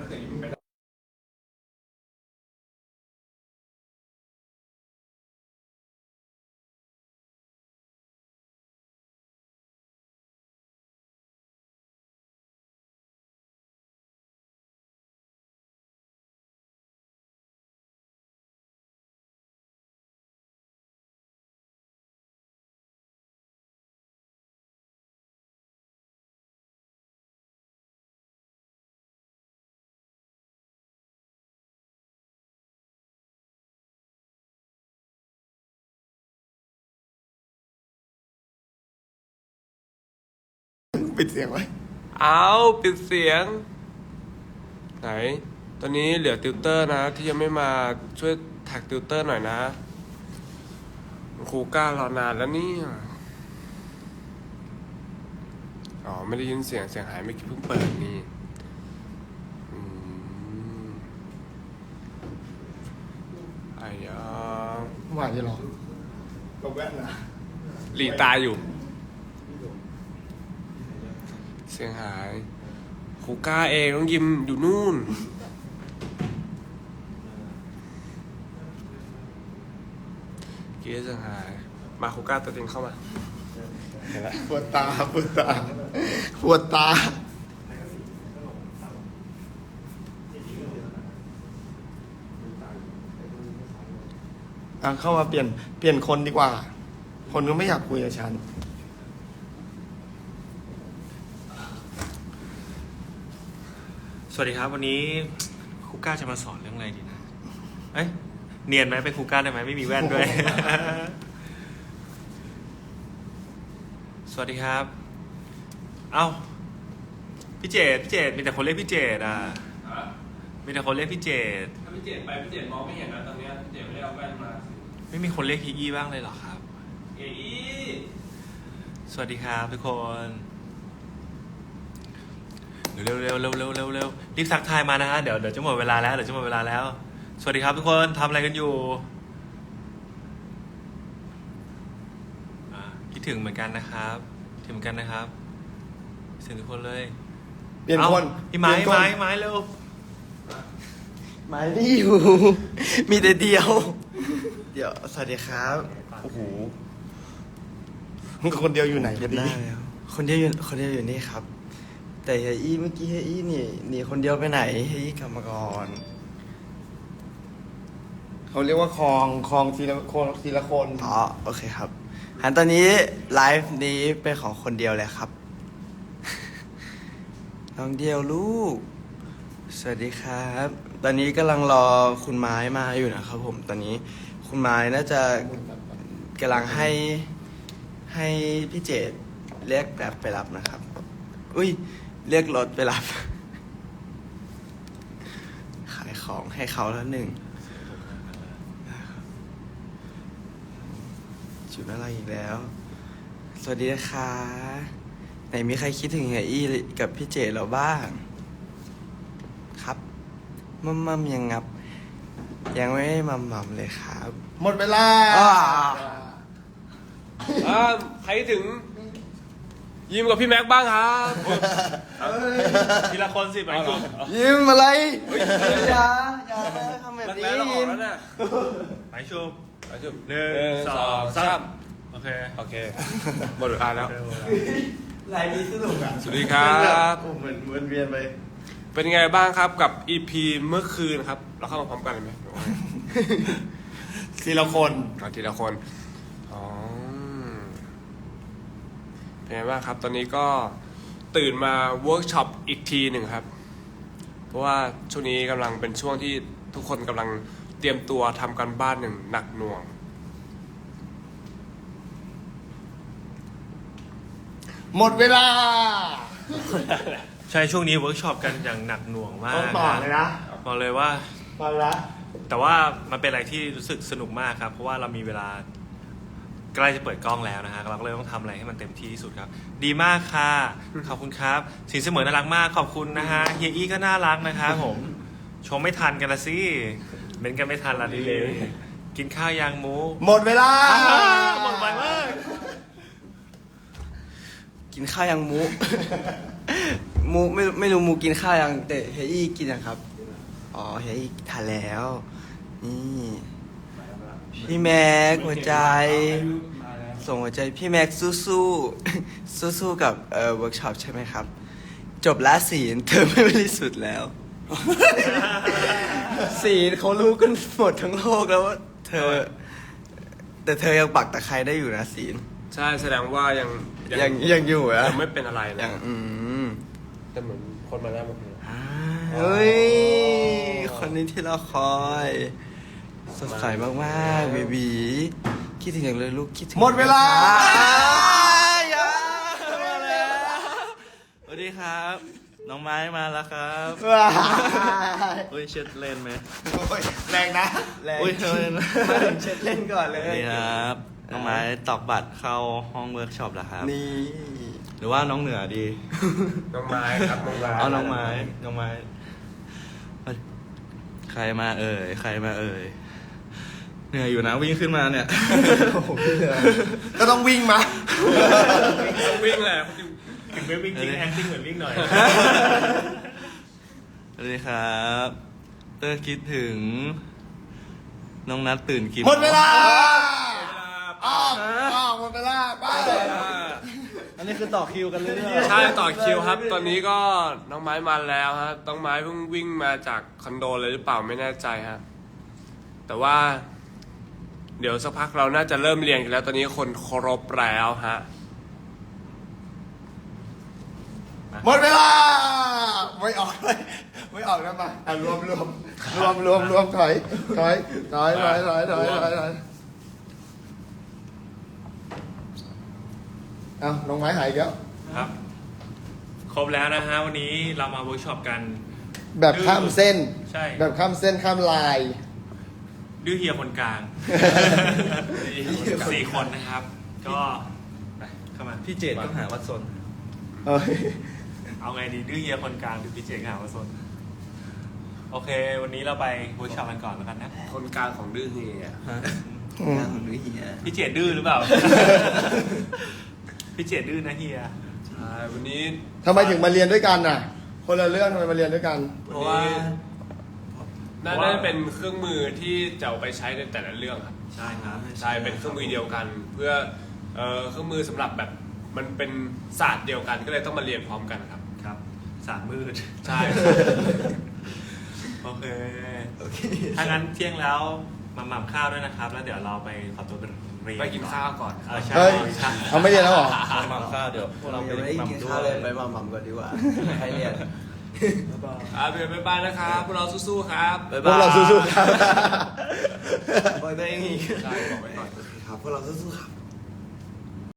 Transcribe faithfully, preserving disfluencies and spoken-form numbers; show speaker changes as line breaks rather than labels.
อย่างนี้มันเป็นปิดเสียงไว้เอาปิดเสียงไหนตอนนี้เหลือติวเตอร์นะที่ยังไม่มาช่วยแท็กติวเตอร์หน่อยนะครูก้ารอนานแล้วนี่อ๋อไม่ได้ยินเสียงเสียงหายไม่คิดเพิ่งเปิดนี่ไอ้ยาว่าจะหรอตกแว่นนะหลีตาอยู่เสียงหายครูก้าเองน้องยิมอยู่นู่นเกียร์เสียงหายมาครูก้าตัวจริงเข้ามาเห็นแล้วปวดตาปวดตาปวดตาอ่ะเข้ามาเปลี่ยนเปลี่ยนคนดีกว่าคนก็ไม่อยากคุยกับฉัน
สวัสดีครับวันนี้ครูก้าจะมาสอนเรื่องอะไรดีนะเอ้ยเนียนไหมเป็นครูก้าได้ไหมไม่มีแว่นด้วย สวัสดีครับเอ้าพี่เจดพี่เจดมีแต่คนเรียกพี่เจดอ่ะมีแต่คนเรียกพี่เจดถ้าพี่เจดไปพี่เจดมองไม่เห็นนะตอนนี้พี่เจดไม่ได้เอาแว่นมาไม่มีคนเรียกฮีอี้บ้างเลยเหรอครับฮีอี้สวัสดีครับทุกคนเร็วเร็วเร็วเร็วเร็วเร็วรีบทักทายมานะฮะเดี๋ยวเดี๋ยวจะหมดเวลาแล้วเดี๋ยวจะหมดเวลาแล้วสวัสดีครับทุกคนทำอะไรกันอยู่คิดถึงเหมือนกันนะครับถึงเหมือนกันนะครับคิดถึงทุกคนเลย
เปลี่ยนคน
พี่ไม้ไม้ไม้เร็ว
ไม้ไม่อยู่มีแต่เดียวเดี๋ยวสวัสดีครับโอ้โหมึงคนเดียวอยู่ไหนกันดีคนเดียวอยู่คนเดียวอยู่นี่ครับแต่เฮียอี้เมื่อกี้เฮียอี้นี่หนีคนเดียวไปไหนเฮียอี้กลับมาก่อนเขาเรียกว่าคลองคลองทีละคนทีละคนอ๋อโอเคครับหันตอนนี้ไลฟ์นี้เป็นของคนเดียวเลยครับน้องเดียวลูกสวัสดีครับตอนนี้กำลังรอคุณไม้มาอยู่นะครับผมตอนนี้คุณไม้น่าจะกำลังให้ให้พี่เจดเรียกแบบไปรับนะครับอุ้ยเรียกรถไปรับขายของให้เขาแล้วหนึ่งจุดอะไรอีกแล้วสวัสดีนะคะไหนมีใครคิดถึงเฮียอี้กับพี่เจเราบ้างครับมัมมัมยังงับยังไม่มัมมัมเลยครับหมดเวลาอ่าใครถึงยิ้มกับพี่แม็กบ้างครับ
ทีละคนสิไปจุด
ยิ้มอะไรอย่าอย่าทำแบบนี้ยิ้ม
ไปชุบ
ไปชุบ
หนึ่งสองสามโอเค
โอเคหมดเวลาแล้วไลน์นี้สนุกอ่ะสวัสดีครับ
เหมือนเหมือนเวียนไป
เป็นไงบ้างครับกับ อี พี เมื่อคืนครับเราเข้ามาพร้อมกันเลยไหมทีละคนทีละคนอ๋อเป็นไงบ้างครับตอนนี้ก็ตื่นมาเวิร์กช็อปอีกทีหนึ่งครับเพราะว่าช่วงนี้กำลังเป็นช่วงที่ทุกคนกำลังเตรียมตัวทำการบ้านหนึ่งหนักหน่วงหมดเวลา
ใช่ช่วงนี้เวิร์กช็อปกันอย่างหนักหน่วงมาก
ต่อเลยนะ
บอกเลยว่า
ต่อละ
แต่ว่ามันเป็นอะไรที่รู้สึกสนุกมากครับเพราะว่าเรามีเวลาใกล้จะเปิดกล้องแล้วนะฮะเราก็เลยต้องทำอะไรให้มันเต็มที่ที่สุดครับดีมากค่ะขอบคุณครับสินเสมอน่ารักมากขอบคุณนะฮะเฮียอี้ก็น่ารักนะครับผมชมไม่ทันกันละสิเม้นกันไม่ทันละดีเลยกินข้าวยางหมู
หมดเวลา
หมดไปมาก
กินข้าวยางหมูมูไม่ไม่รู้มูกินข้าวยังแต่เฮียอี้กินยังครับอ๋อเฮียอี้ทานแล้วนี่พี่แม็กหัวใจ ส่งหัวใจพี่แม็กสู้สู้สู้สู้ๆกับเอ่อเวิร์กช็อปใช่ไหมครับ จบละศีลเธอไม่บริสุทธิ์แล้ว ศีลเขารู้กันหมดทั้งโลกแล้วว่าเธอ แต่เธอยังปักตะไคร้ได้อยู่นะศีล
ใช่แสดงว่ายัง
ยังยังอยู่อะ
ยังไม่เป็นอะไร
ยั
นะ
งอืม
แต่เหมือนคนมาแล้วเมื่อกี้
อ่าเฮ้ย คนนี้ที่เราคอย สดใสมากๆเบบีคิดถึงอย่างเลยลูกคิดถึง
หมดเวลา
อย่ามาแล้วสวัสดีครับ น้องไม้มาแล้วครับ
ว้าย
อุ้ยเช็ดเล่นไหม
โอ้ยแรงนะแรง
อุ้ยเล่น
มาถึงเช็ดเล่นก่อนเล
สวัส
ย
ดีครับ น้องไม้ตอกบัตรเข้าห้องเวิร์กช็อปแล้วครับ
นี่
หรือว่าน้องเหนือดี
น้องไม้ครับน้องไม้
เอาน้องไม้ น้องไม้เฮ้ยใครมาเอ่ย ใครมาเอ่ย เหนื่อยอยู่นะวิ่งขึ้นมาเนี่ย
โอ้โหพี่เหนื่อยก็ต้องวิ่งมา
ต้องวิ่งแหละ
ถึงไม่วิ่งจริง acting เหมือนวิ่งหน่อย
สวัสดีครับ เตอร์คิดถึง น้องนัดตื่นกี่โง
หมดเวลา
เวลา
อ้าวอ้าวหมดเวลาไป
อันนี้คือต่อคิวกันเรื่อยๆ
ใช่ต่อคิวครับ ตอนนี้ก็น้องไม้มาแล้วฮะน้องไม้เพิ่งวิ่งมาจากคอนโดเลยหรือเปล่าไม่แน่ใจฮะแต่ว่า เดี๋ยวสักพักเราน่าจะเริ่มเรียนกันแล้ว ตอนนี้คนครบแล้วฮะ
หมดเวลาไม่ออกเลยไม่ออกแล้วมาอ่ะรวมรวมรวมรวมรวมถอยถอยถอยถอยถอยถอยถอยถอยเอ้าน้องไม้หายอีกแล้ว
ครับ ครบแล้วนะฮะวันนี้เรามาเวิร์กช็อปกัน
แบบข้ามเส้น
ใช่
แบบข้ามเส้นข้ามลาย
ดื้อเฮียคนกลางสี่คนนะครับ ก็ไปเข้ามา
พี่เจดก็หาวัดสน
เอ้ย
เอาไงดีดื้อเฮียคนกลางหรือพี่เจงหาวาสนโอเค วันนี้เราไปเวิร์กช็อปกันก่อนแล้วกันนะ
คนกลางของดื้อเฮีย
งานของนุ้ยเฮีย
พี่เจดดื้อหรือเปล่า พี่เจดดื้อนะเฮีย
ใช่วันนี้
ทำไมถึงมาเรียนด้วยกันน่ะ คนละเรื่องทำไมมาเรียนด้วยกัน
เพราะว่า
น่าจะเป็นเครื่องมือที่จะเอาไปใช้ในแต่ละเรื่องครับ
ใช่ครับ
ใช่เป็นเครื่องมือเดียวกัน เพื่อเอ่อเครื่องมือสำหรับแบบมันเป็นศาสตร์เดียวกันก็เลยต้องมาเรียนพร้อมกันครับ
ครับสามมืด
ใช่
โอเคถ้างั้นเที่ยงแล้วมาหม่ำข้าวด้วยนะครับ แล้วเดี๋ยวเราไปขอตัวไปเรียน
ไปกินข้าวก่อน
เออใช่
เฮ้ย
ใช่
เอาไม่เรียนแล้วเหรอ
หม่ำข้าวเดี๋ยวพวกเราไป
ยังไม่ได้
ห
กิน
ม่ำด้
ข้าว
ว
เลย
ย
ไปมาหม่ำก่อนดีกว่าใครเรียน
อ่าเบียร์บ๊ายบายนะครับพวกเราสู้ๆครับ
บ๊าย
พว
บาย
กเราสู้ๆครับ
บอกตัวเองอีก
ใช่บอกไว้ก่อน
ครับพวกเราสู้ๆครับ